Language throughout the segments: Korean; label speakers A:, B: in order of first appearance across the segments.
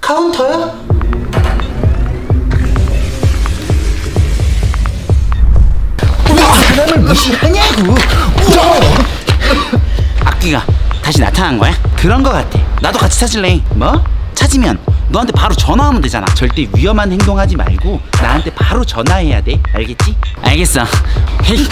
A: 카운터야? 왜 사람을 무시하냐고.
B: 악귀가 다시 나타난 거야? 그런 거 같아. 나도 같이 찾을래. 뭐? 찾으면 너한테 바로 전화하면 되잖아. 절대 위험한 행동하지 말고 나한테 바로 전화해야 돼. 알겠지? 알겠어. 헤이.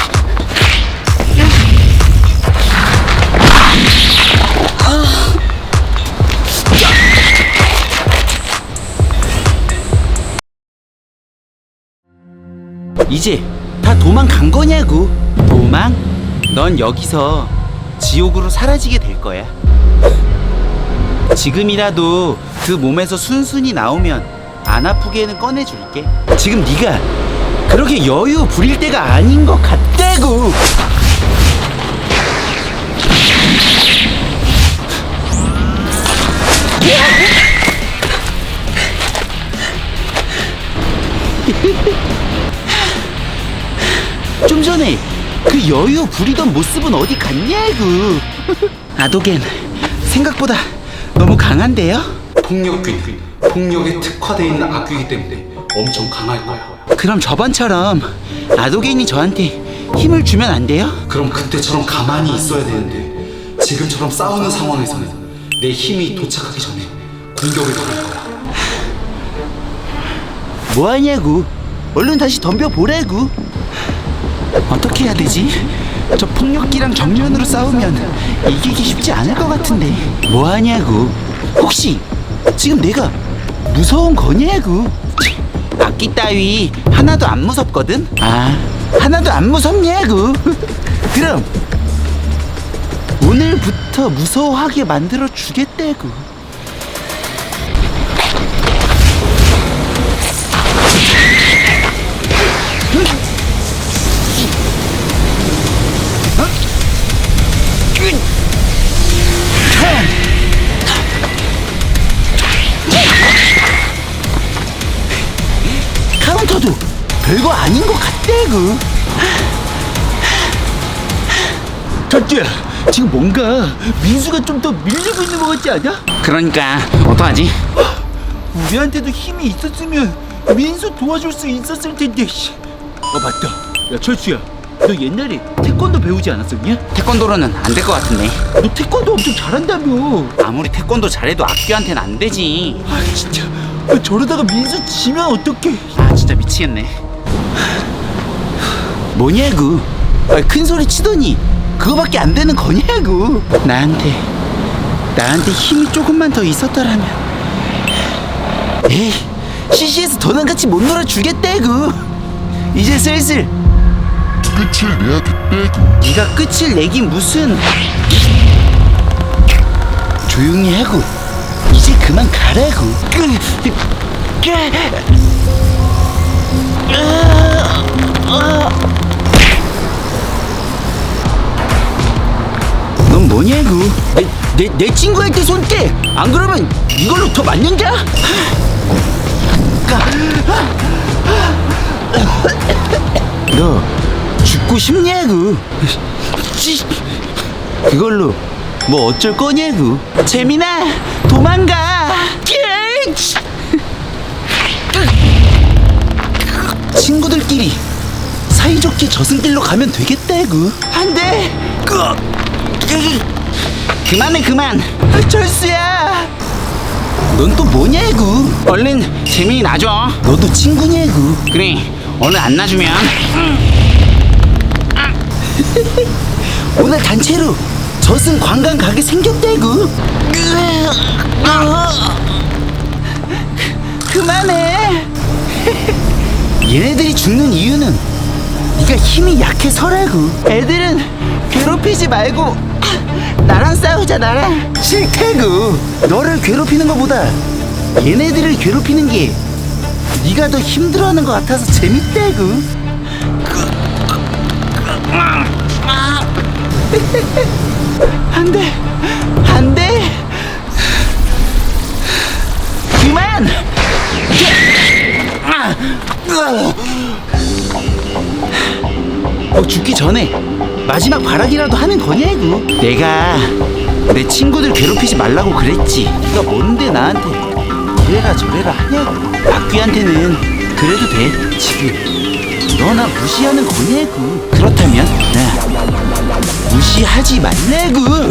B: 이제 다 도망간 거냐고. 도망? 넌 여기서 지옥으로 사라지게 될 거야. 지금이라도 그 몸에서 순순히 나오면 안 아프게는 꺼내줄게. 지금 네가 그렇게 여유 부릴 때가 아닌 것 같다고. 좀 전에 그 여유 부리던 모습은 어디 갔냐고. 아도겐 생각보다 너무 강한데요?
C: 폭력균, 폭력에 특화되어 있는 악귀이기 때문에 엄청 강할 거야.
B: 그럼 저번처럼 아도겐이 저한테 힘을 주면 안 돼요?
C: 그럼 그때처럼 가만히 있어야 되는데 지금처럼 싸우는 상황에서는 내 힘이 도착하기 전에 공격을 당할 거야.
B: 뭐하냐고. 얼른 다시 덤벼보라고. 어떻게 해야 되지? 저 폭력기랑 정면으로 싸우면 이기기 쉽지 않을 것 같은데. 뭐하냐고. 혹시 지금 내가 무서운 거냐고. 악기 따위 하나도 안 무섭거든. 아, 하나도 안 무섭냐고. 그럼 오늘부터 무서워하게 만들어 주겠다고. 카운터도 별거 아닌 것 같다고. 첫째야, 지금 뭔가 민수가 좀 더 밀리고 있는 것 같지 않아? 그러니까 어떡하지? 우리한테도 힘이 있었으면 민수 도와줄 수 있었을 텐데. 맞다. 야, 철수야, 너 옛날에 태권도 배우지 않았었냐? 태권도로는 안 될 것 같은데. 너 태권도 엄청 잘한다며. 아무리 태권도 잘해도 악귀한테는 안 되지. 아, 진짜. 저러다가 민수 지면 어떡해. 아, 진짜 미치겠네. 뭐냐고. 큰 소리 치더니 그거밖에 안 되는 거냐고. 나한테 힘이 조금만 더 있었더라면. 에이, CC에서 더는 같이 못 놀아주겠다고. 이제 슬슬
D: 끝을 내야겠다고.
B: 네가 끝을 내긴 무슨. 조용히 하고 이제 그만 가라고. 넌 뭐냐고. 내 친구한테 손 떼. 안 그러면 이걸로 더 맞는다. 너 죽고 싶냐고. 그걸로 뭐 어쩔 거냐고. 재민아, 도망가. 친구들끼리 사이좋게 저승길로 가면 되겠다고. 안 돼. 그만해, 그만. 철수야, 넌 또 뭐냐고. 얼른 재민이 놔줘. 너도 친구냐고. 그래, 오늘 안 놔주면 오늘 단체로 저승 관광 가게 생겼다고. 그만해. 얘네들이 죽는 이유는 네가 힘이 약해서라고. 애들은 괴롭히지 말고 나랑 싸우자. 나랑. 싫다고. 너를 괴롭히는 것보다 얘네들을 괴롭히는 게 네가 더 힘들어하는 것 같아서 재밌다고. 안 돼, 안 돼. 그만. 죽기 전에 마지막 발악이라도 하는 거냐고. 내가 내 친구들 괴롭히지 말라고 그랬지. 네가 뭔데 나한테 이래 이래라 저래라 하냐고. 악귀한테는 그래도 돼. 지금 너 나 무시하는 거냐고. 그렇다면 나 무시하지 말라고.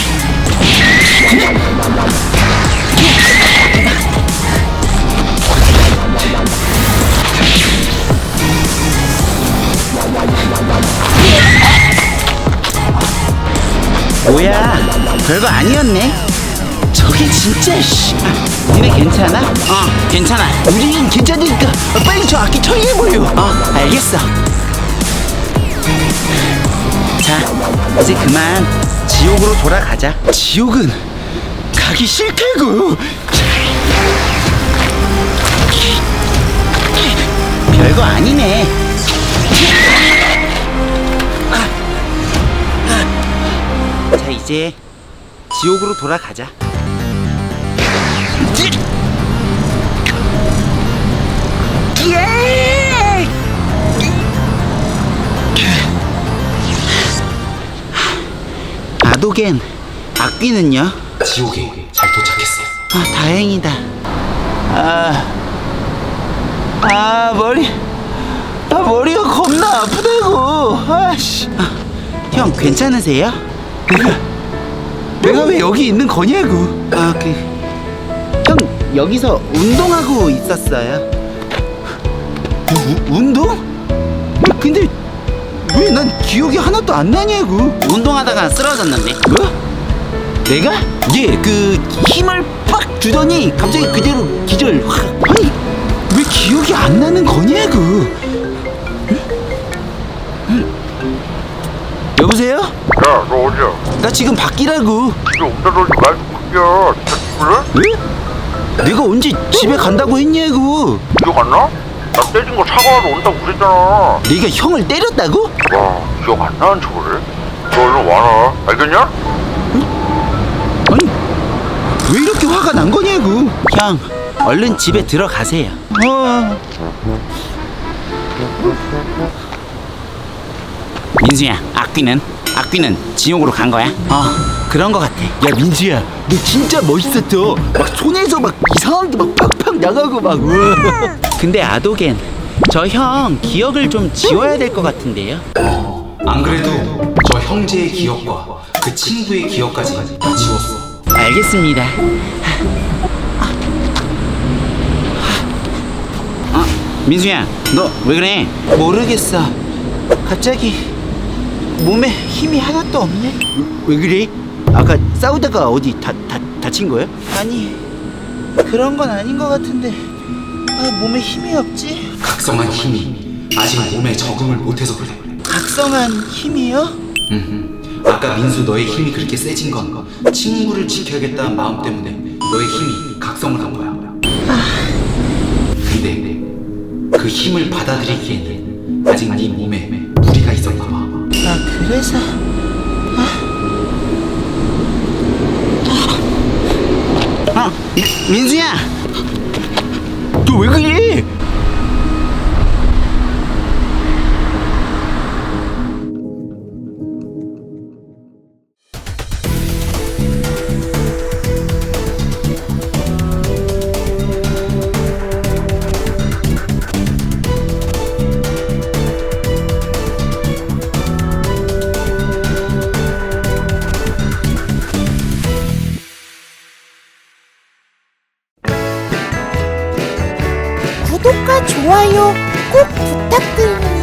B: 뭐야, 별거 아니었네. 저게 진짜 씨. 니네 괜찮아? 괜찮아. 우린 괜찮으니까 빨리 저 악기 처리해버려. 알겠어. 자, 이제 그만 지옥으로 돌아가자. 지옥은 가기 싫다고. 별거 아니네. 자, 이제 지옥으로 돌아가자. 아도겐, 악귀는요?
C: 지옥에 잘 도착했어.
B: 다행이다. 머리가 겁나 아프다고. 아씨. 형 괜찮으세요? 내가 왜 여기 있는 거냐고. 형 여기서 운동하고 있었어요. 운동? 근데 왜 난 기억이 하나도 안 나냐고. 운동하다가 쓰러졌는데. 뭐? 내가? 그 힘을 빡 주더니 갑자기 그대로 기절 확. 아니 왜 기억이 안 나는 거냐고. 여보세요?
D: 야, 너 어디야?
B: 나 지금 밖이라고.
D: 집에 온다더니 말도 바뀌야. 진짜 죽을래?
B: 왜? 내가 언제 집에 간다고 했냐고.
D: 기억 안 나? 나 때린 거 사과하러 온다고 그랬잖아.
B: 네가 형을 때렸다고?
D: 와, 기억 안 나는 척을 해? 너 얼른 와라. 알겠냐?
B: 아니 왜 이렇게 화가 난 거냐고. 형 얼른 집에 들어가세요. 민수야, 악귀는 지옥으로 간 거야? 그런 거 같아. 야 민수야, 너 진짜 멋있었어. 막 손에서 막 이상한 게 막 팍팍 나가고 막. 근데 아도겐, 저 형 기억을 좀 지워야 될 것 같은데요?
C: 안 그래도 저 형제의 기억과 그 친구의 기억까지 다 지웠어.
B: 알겠습니다. 민수야, 너 왜 그래? 모르겠어. 갑자기 몸에 힘이 하나도 없네. 왜 그래? 아까 싸우다가 어디 다친 거야? 아니, 그런 건 아닌 것 같은데. 몸에 힘이 없지?
C: 각성한 힘이 아직 몸에 적응을 못해서 그래.
B: 각성한 힘이요?
C: 아까 민수 너의 힘이 그렇게 세진 건 친구를 지켜야겠다는 마음 때문에 너의 힘이 각성을 한 거야. 근데 그 힘을 받아들이기에는 아직 네 몸에 무리가 있었나 봐.
B: 그래서 민수야, 너 왜 그래?
A: 구독과 좋아요 꼭 부탁드립니다.